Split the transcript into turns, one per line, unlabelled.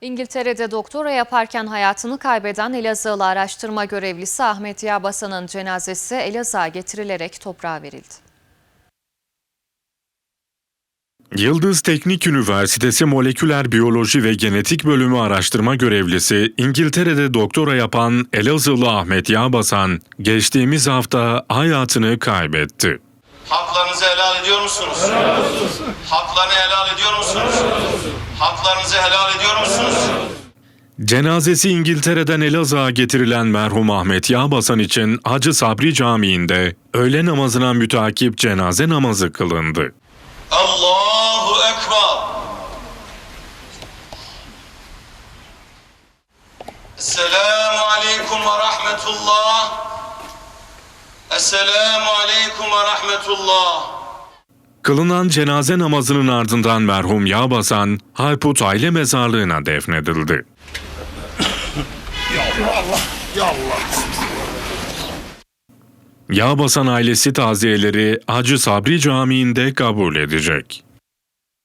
İngiltere'de doktora yaparken hayatını kaybeden Elazığlı araştırma görevlisi Ahmet Yağbasan'ın cenazesi Elazığ'a getirilerek toprağa verildi.
Yıldız Teknik Üniversitesi Moleküler Biyoloji ve Genetik Bölümü araştırma görevlisi, İngiltere'de doktora yapan Elazığlı Ahmet Yağbasan, geçtiğimiz hafta hayatını kaybetti.
Haklarınızı helal ediyor musunuz?
Helal olsun.
Haklarını helal ediyor musunuz? Haklarınızı helal ediyor musunuz?
Cenazesi İngiltere'den Elazığ'a getirilen merhum Ahmet Yağbasan için Hacı Sabri Camii'nde öğle namazına mütakip cenaze namazı kılındı.
Allahu Ekber. Esselamu Aleyküm ve Rahmetullah. Esselamu Aleyküm ve Rahmetullah.
Kılınan cenaze namazının ardından merhum Yağbasan, Harput Aile Mezarlığı'na defnedildi. Yağbasan ailesi taziyeleri Hacı Sabri Camii'nde kabul edecek.